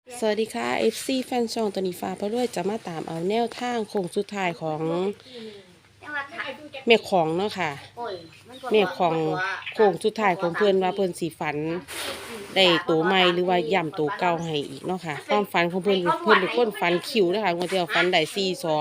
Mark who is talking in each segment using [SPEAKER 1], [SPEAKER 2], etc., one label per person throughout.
[SPEAKER 1] สวัสดีค่ะ FC แฟนช่องตัวนี้ฟ้าพระรวยจะมาตามเอาแนวทางโค้งสุดท้ายของเมฆของเนาะค่ะเมฆของโค้งสุดท้ายของเพื่อนว่าเพื่อนสีฝันได้ตัวใหม่หรือว่าย่ำตัวเก่าให้อีกเนาะค่ะความฝันของเพื่อนเป็นคนฝันคิวนะคะวันที่เราฝันได้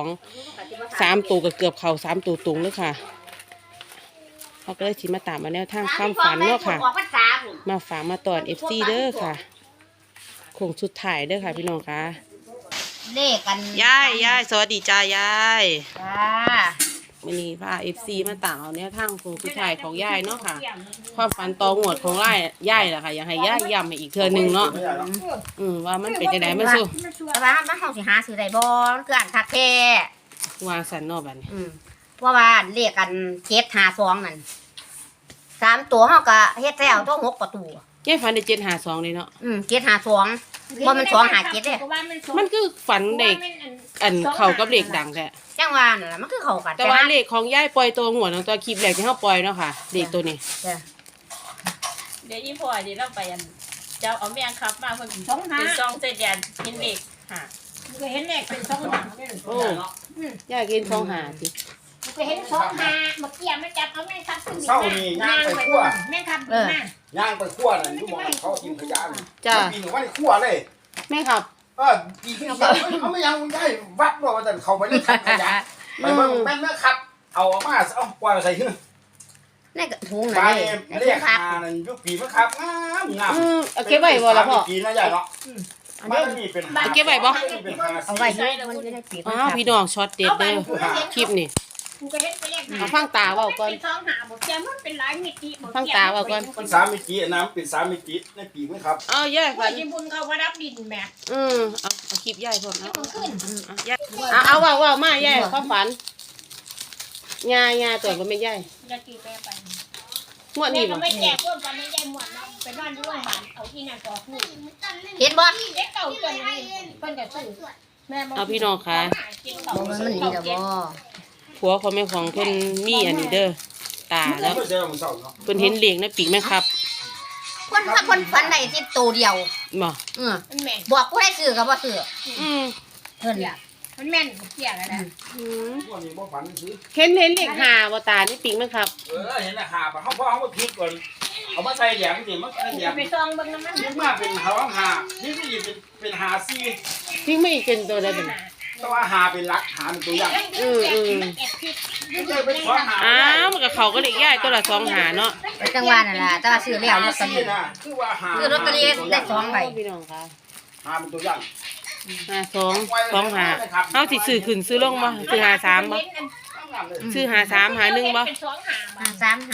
[SPEAKER 1] 4-2-3ตัวก็เกือบเข่า3ตัวตรงเลยค่ะเขาก็เลยสิมาตามมาแนวทางความฝันเนาะค่ะมาฝากมาตอน FC เด้อค่ะโค้งสุดท้ายเด้อค่ะพี่น้องค่ะ
[SPEAKER 2] เลขกัน
[SPEAKER 1] ยายสวัสดีจ้ายาย
[SPEAKER 2] จ้า
[SPEAKER 1] วันนี้พาFC มาต่างเอาเนี้ยทางโค้งสุดท้ายของยายเนาะค่ะความฝันต่องวดของยายแหละค่ะอยากให้ยายย้ำอีกเทื่อนึงเนาะว่ามันเป็นจังได๋มันสู้
[SPEAKER 2] แต่ว่ามันเฮาสิหาซื้อได้บ่มันคืออันคักแท้
[SPEAKER 1] วางสันเนาะบัดนี้
[SPEAKER 2] เพราะว่าเลขกัน752นั่น3ตัวเฮาก็เฮ็ดแล้วทั้ง6ประตู
[SPEAKER 1] ยายฝันได้752เลยเนาะ
[SPEAKER 2] 752บ่มัน257เด้
[SPEAKER 1] มันคือฝันเด็กอันเข้ากับเลขดังแท้
[SPEAKER 2] จังว่านั่นล่ะมันคือเข้ากัน
[SPEAKER 1] แต่ว่าเลขของยายปล่อยตัวงวดตัวคลิปแรกที่เฮาปล่อยเนาะค่ะเลขตัวนี้
[SPEAKER 2] จ้ะ
[SPEAKER 3] เดี๋ยวอีพ่อเดี๋ยวเราไปเจ้าเอาแมงครับมาเพิ่นเป็นซองเส้นแดนเห็นเด็กค่ะ
[SPEAKER 4] ก็เห็นเลขเป็น2 5
[SPEAKER 1] โอ้ยายกิน2 5สิ
[SPEAKER 4] ก็เห็น2 5เมื่อกี้มันจับเอาแม่ครับขึ้น
[SPEAKER 5] เศร้านี่ย่างไปคั่ว
[SPEAKER 4] แม่ครับมา
[SPEAKER 5] ย่างไปคั่วนั่นอยู่หม้อเขากินขยะนี่
[SPEAKER 1] จ้ะ
[SPEAKER 5] กินว่าคั่วเลย
[SPEAKER 1] แม่ครับ
[SPEAKER 5] กินขยะเขาไม่ยังได้วัดบ่ว่าแต่เขาไปเล่นขยะไปเบิ่งแม่นครับเอาออกมาเอาปล่อยใส่หื้อ
[SPEAKER 2] ในกระถุง
[SPEAKER 5] นั่นเรียกหานั่นยุปีมั้งครับงาม
[SPEAKER 1] เอาเก็บไว้บ่ล่ะพ่อ
[SPEAKER 5] ปีนะยายเนาะมันนี่เป็น
[SPEAKER 1] เก็บไว้บ่
[SPEAKER 2] เอาไว้มันอยู่ในปี
[SPEAKER 1] พี่น้องช็อตเด็ดเด้อคลิปนี่ฟังตาเว้าก่อน
[SPEAKER 4] เป็น2 5บ่แก่มันเป็นหลายมิติบ่
[SPEAKER 1] ฟังตาเว้าก่อน
[SPEAKER 5] เป็น3มิติน้ำเป็น3มิติในปีมั้งครับ
[SPEAKER 1] ยายฝัน
[SPEAKER 4] ที่บุญเขาว่ารับดินแม่
[SPEAKER 1] เอาคลิปยายพ่นยายเอาเว้ามายายความฝันยาตัวบ่แม่นยาย
[SPEAKER 4] จะกี่แปไป
[SPEAKER 1] งวดนี้บ่
[SPEAKER 4] ไม่แก่พวกกันไม่ได้หมดเนาะไปบ้านโรงพยาบาลเอาที่นั่นก็ฮู้
[SPEAKER 2] เห็นบ่
[SPEAKER 4] เด็กเก่าจนเพิ่นก็ซื้อแม่
[SPEAKER 1] เอาพี่น้องค่ะ
[SPEAKER 2] มันดีดอกบ่
[SPEAKER 1] ผัวของแม่ของเพิ่นมีอันนี้เด้อตาแล้วเพิ่นเห็นเหลียงในปีกแม่ครับ
[SPEAKER 2] คนฝันได้ที่ตัวเดียว
[SPEAKER 1] บ่
[SPEAKER 4] มันแม่น
[SPEAKER 2] บอกผู้ให้ซื้อก็บ่ซื้อเพิ่นล่ะ
[SPEAKER 4] มันแม่นเกี่ยแล้วนะ
[SPEAKER 5] วันนี้บ่ฝันซื้อ
[SPEAKER 1] เห็นเลข5บ่ตาในปีกแม่ครับ
[SPEAKER 5] เห็นแล้วหาบ่เฮาบ่พลิกก่อนเอามาใส่แหลมสิมันใส่แหลม
[SPEAKER 4] ไปซองเบิ่งน้ำมัน
[SPEAKER 5] นี่มาเป็นหานี่ก็เป็นหาซี่
[SPEAKER 1] ทิ้งไม่เป็นตัวใดเป็น
[SPEAKER 5] แต่ว่าหาเป็นลักหาเป็นตัวอย่าง
[SPEAKER 1] มันก็เขาก็เลขยายตัวละ2 5เนาะ
[SPEAKER 2] จังหวะนั่นล่ะแต่ว่าซื้อแล้วลอตเตอรี่คือลอตเตอรี่ได้2ใบ
[SPEAKER 1] พี่น้องค่ะ
[SPEAKER 5] หาเป็นตัวอย่าง
[SPEAKER 1] 2 5เฮาสิซื้อขึ้นซื้อลงบ่ซื้อ53บ่ซื้อ53 51บ่
[SPEAKER 2] 53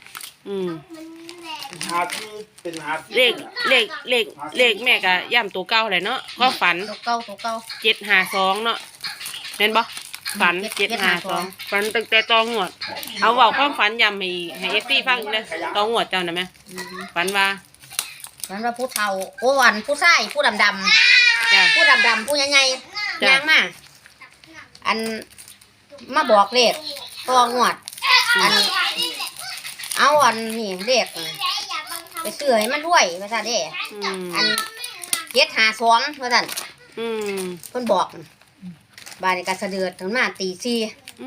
[SPEAKER 5] หาที่เป็นหา
[SPEAKER 1] เลขแม่ก็ย่ำตัวเก่าแหละเนาะก็ฝัน
[SPEAKER 2] ตัวเก่า
[SPEAKER 1] 752เนาะแม่นบ่ฝัน752ฝันตั้งแต่ตองวดเอาเว้าความฝันย้ำให้ FC ฟังเด้อตองวดเจ้าน่ะแม่ฝันว่า
[SPEAKER 2] ผู้เฒ่าโอ้วันผู้ชายผู้ดำจ้ะผู้ดำผู้ใหญ่ๆย่างมาอันมาบอกเลขตองวดอันเอาอันนี่เลขไปซื้อให้มันรวยว่าซั่นเด้อัน752ว่าซั่นเพิ่นบอกบ้านนี้ก็สะดือดถึงมาตี4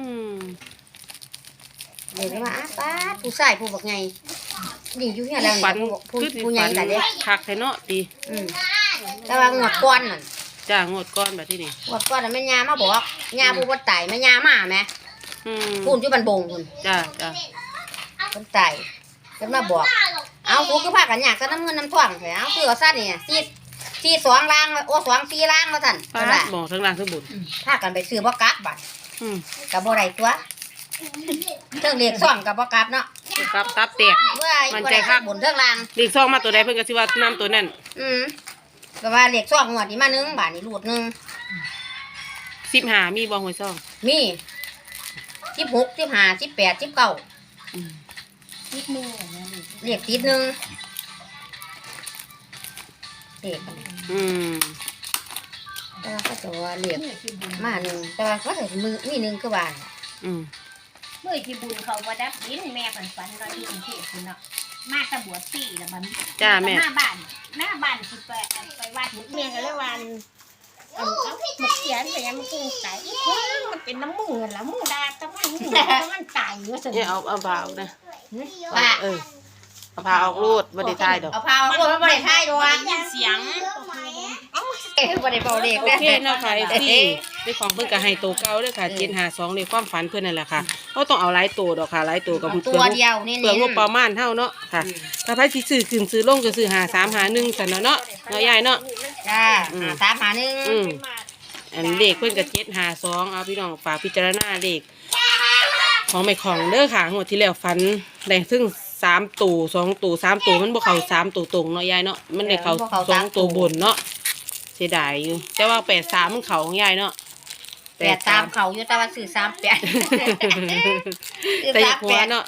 [SPEAKER 2] เดี๋ยวมาป้าผู้ชายผู้บักใหญ่นี่อยู่เฮียแล้วผู้ใหญ่แต่เด้
[SPEAKER 1] คักแท้เนาะดี
[SPEAKER 2] แต่ว่างวดก่อนนั่น
[SPEAKER 1] จ้างวดก่อนแบบที่นี่
[SPEAKER 2] งวดก่อนน่ะแม่ย่ามาบอกย่าผู้บ่ตายแม่ย่ามาแม่พูนอยู่บ้านบงพุ่น
[SPEAKER 1] จ้า
[SPEAKER 2] เพิ่นตายเพิ่นมาบอกเอากูคือพากันยากซะน้ำเงินน้ำทองแท้เอาซื้อเอาซะนี่4 2ล่างโอ้2 4ล่างว่าซั่น
[SPEAKER 1] เพิ่นว่าบอกทั้งล่างทั้งบน
[SPEAKER 2] พากันไปซื้อบ่กลับบัดก็บ่ได้ตัวเทิงเลข2ก็บ่กลับเนาะ
[SPEAKER 1] กลับตับแตก
[SPEAKER 2] มันใจคักบนเทิงล่าง
[SPEAKER 1] เลข2มาตัวใดเพิ่นก็สิว่านํตัวนั้น
[SPEAKER 2] ก็ว่าเลข2งวดนี้มา1บาทนี่รูด1
[SPEAKER 1] 15มีบ่หวย2
[SPEAKER 2] มี16 15 18 19
[SPEAKER 4] นิดนึง
[SPEAKER 2] เลขติด1เลขแต่ว่าก็จะว่าเลขมา1แต่ว่าก็จะมี1คือว่า
[SPEAKER 4] เมื่อที่บุญเขาบ่ดับดินแม่ฝันว่าที่กรุงเทพฯพุ่นเนาะมาตะบวชปีแล้วมัน
[SPEAKER 1] จ้าแม่
[SPEAKER 4] หน้าบ้านสิไปวัดเมียกันเลยวันเอามาเขียนไปยังมันกุ้งตายอีกคนมันเป็นน้ำมูกแล้วมูดาแต่มันตายอยู่สิ
[SPEAKER 1] เนี่ยเอาผ้าออกนะ
[SPEAKER 2] ว่า
[SPEAKER 1] เอาผ้าออกรูดบ่ได้ทายดอก
[SPEAKER 2] เอาพาเอาบ่ได้ทายดอก
[SPEAKER 3] ได้ยินเสียง
[SPEAKER 2] บ่ได้เบาเลข
[SPEAKER 1] โอเคเนาะค่ะที่ในของเพิ่นก็ให้ตัวเก่าเด้อค่ะ752เลขความฝันเพิ่นนั่นแหละค่ะบ่ต้องเอาหลายตัวดอกค่ะหลายตัวก็
[SPEAKER 2] ตัวเดียวนี่
[SPEAKER 1] เปลืองงบประมาณเท่าเนาะค่ะถ้าไผสิซื้อขึ้นซื้อลงก็ซื้อ5351ซั่นเนาะเนาะยายเนาะ
[SPEAKER 2] จ้าตามหาหนึ่ง
[SPEAKER 1] อันเลขเพิ่นก็752เอาพี่น้องฝากพิจารณาเลขของแม่ของเด้อค่ะงวดที่แล้วฝันได้ถึง3ตัว2ตัว3ตัวมันบ่เข้า3ตัวตรงเนาะยายเนาะมันได้เข้า2ตัวบนเนาะเสียดายอยู่แต่ว่า83มันเข้าของยายเนาะ
[SPEAKER 2] 83เขาอยู่แต่ว่าซื้อ38
[SPEAKER 1] แต่อย่าหัวเนาะ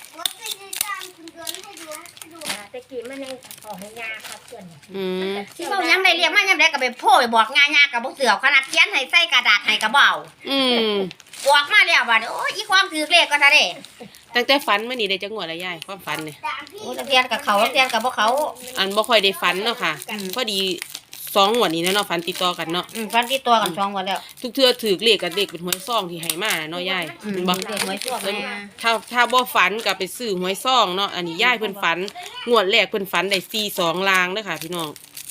[SPEAKER 4] ตะกี้มันยังออกยาครับเพื่อน
[SPEAKER 2] ที่เขายังได้เรียกมายังได้ก็ไปโพ่ไปบอกงานๆกับบ่เสือขนาดเขียนให้ใส่กระดาษให้ก็บ่เอา บอกมาแล้วว่าโอ้ยอีความถือเลขก็ซะเด้
[SPEAKER 1] ตั้งแต่ฝันมานี่ได้จังหวดละยายความฝันเนี่ย
[SPEAKER 2] โอ้เทียนกับเขาเทียนกับบ่เขา
[SPEAKER 1] อันบ่ค่อยได้ฝันเนาะค่ะพอดี2งวดนี้เนาะฝันติดต่อกันเนาะ
[SPEAKER 2] ฟันที่ตัวกัน2วันแล้ว
[SPEAKER 1] ทุกเทื่อถือเลขกับเลขเป็นหวยซองที่ให้มาเนาะยายเห็นบ่
[SPEAKER 2] เด็กหวยชั่วมา
[SPEAKER 1] ถ้าบ่ฝันก็ไปซื้อหวยซองเนาะอันนี้ยายเพิ่นฝันงวดแรกเพิ่นฝันได้42ลางเด้อค่ะพี่น้อง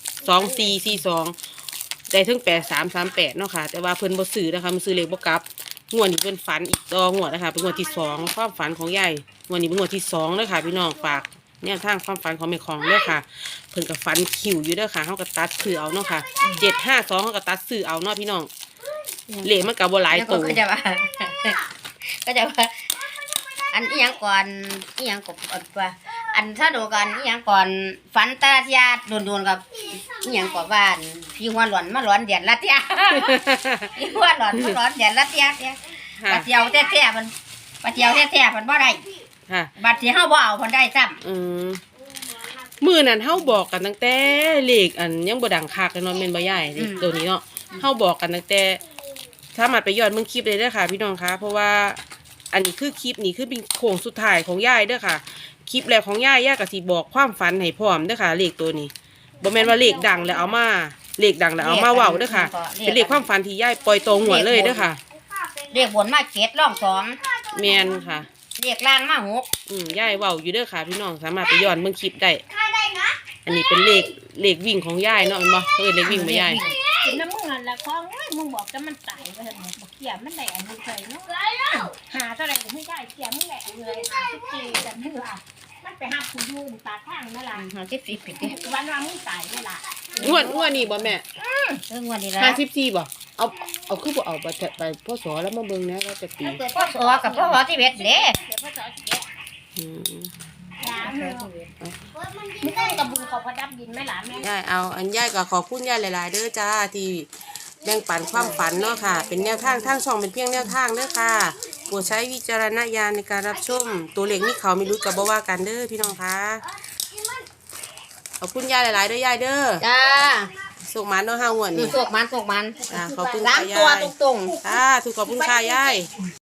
[SPEAKER 1] 2442ได้ถึง8338เนาะค่ะแต่ว่าเพิ่นบ่ซื้อนะคะมันซื้อเลขบ่กลับงวดนี้เพิ่นฝันอีกต่องวดนะคะเป็นงวดที่2ความฝันของยายงวดนี้เป็นงวดที่2เด้อค่ะพี่น้องฝากแนวทางความฝันของแม่ของเด้อค่ะเพิ่นก็ฝันคิวอยู่เด้อค่ะเฮาก็ตัดซื้อเอาเนาะค่ะ752เฮาก็ตัดซื้อเอาเนาะพี่น้องเลขมันก็บ่หลายตัว
[SPEAKER 2] ก็จะว่าก็จะว่าอันอีหยังก่อนอีหยังกบว่าอันถ้าดูกันอีหยังก่อนฝันตาเทียโดนๆกับอีหยังก่อนบ้านพี่หัวหลอนมาหลอนเดือนละเทียพี่หัวหลอนมาหลอนเดือนละเทียบัดเดียวแท้ๆมันบัดเดียวแท้ๆมันบ่ได้
[SPEAKER 1] ค่ะ
[SPEAKER 2] บัดที่เฮาบ่เอาเพิ่นได้ซ้ำ
[SPEAKER 1] มื้อนั้นเฮาบอกกันตั้งแต่เลขอันยังบ่ดังคักเลยเนาะแม่นบ่ยายตัวนี้เนาะเฮาบอกกันตั้งแต่สามารถไปย้อนเบิ่งคลิปได้เด้อค่ะพี่น้องคะเพราะว่าอันนี้คือคลิปนี้คือเป็นโค้งสุดท้ายของยายเด้อค่ะคลิปแรกของยายก็สิบอกความฝันให้พร้อมเด้อค่ะเลขตัวนี้บ่แม่นว่าเลขดังแล้วเอามาเลขดังแล้วเอามาเว้าเด้อค่ะเป็นเลขความฝันที่ยายปล่อยตรงหัวเลยเด้อค่ะ
[SPEAKER 2] เรียกบนมา7ร่อง2
[SPEAKER 1] แม่นค่ะ
[SPEAKER 2] เรียกล่างมา
[SPEAKER 1] ย
[SPEAKER 2] 6
[SPEAKER 1] ายเว้าอยู่เด้อค่ะพี่น้องสามารถไปย้อนเบิ่งคลิปได้อันนี้เป็นเลขวิ่งของยายเนาะแม่นบ่เลขวิ่งบ่ยาย
[SPEAKER 4] กินน้ำมึงนั่นแหละของมึงบอกจะมันตายไปเถอะบอกเขียมันได้อันนี้เลยเนาะหาเท่าไหร่ไม่ได้เขียมึงแหละเลยหาทุกทีแต่เมื่อมันไปหาผู้ยืนตาข้างนั่นแหละ
[SPEAKER 2] 50ปี
[SPEAKER 4] วันว่ามึงตายนี่ล่ะ
[SPEAKER 1] งวดนี้บ่แม่
[SPEAKER 2] วันนี้ละ
[SPEAKER 1] 54บ่เอาคือบ่เอาไปพศแล้วมาเบิ่งนะว่าจะปี
[SPEAKER 2] พ่อสอกับพ่อที่เบ็ดเด้
[SPEAKER 4] เดี๋ยวพ่อสอนเก็บ
[SPEAKER 1] อืม
[SPEAKER 4] ยาเมื่อมึงต้องกับบุญเขาพดับดินไหมล่ะแม่
[SPEAKER 1] ยายเอาอันยายก็ขอบคุณยายหลายๆเด้อจ้าที่แบ่งปันความฝันเนาะค่ะ เป็นแนวทางทางช่องเป็นเพียงแนวทางเด้อค่ะโปรดใช้วิจารณญาณในการรับชมตัวเลขนี่เขาไม่รู้กับบ่ว่ากันเด้อพี่น้องค่ะขอบคุณยายหลายๆเด้อยายเด้อ
[SPEAKER 2] จ้า
[SPEAKER 1] สุกมันเนาะห้างวดนี่
[SPEAKER 2] โศกมัน
[SPEAKER 1] ขอบคุณ
[SPEAKER 2] ล้า
[SPEAKER 1] ค่ะ
[SPEAKER 2] งตัวย
[SPEAKER 1] าย
[SPEAKER 2] ตรง
[SPEAKER 1] ค่ะถูกขอบคุณค่ะยาย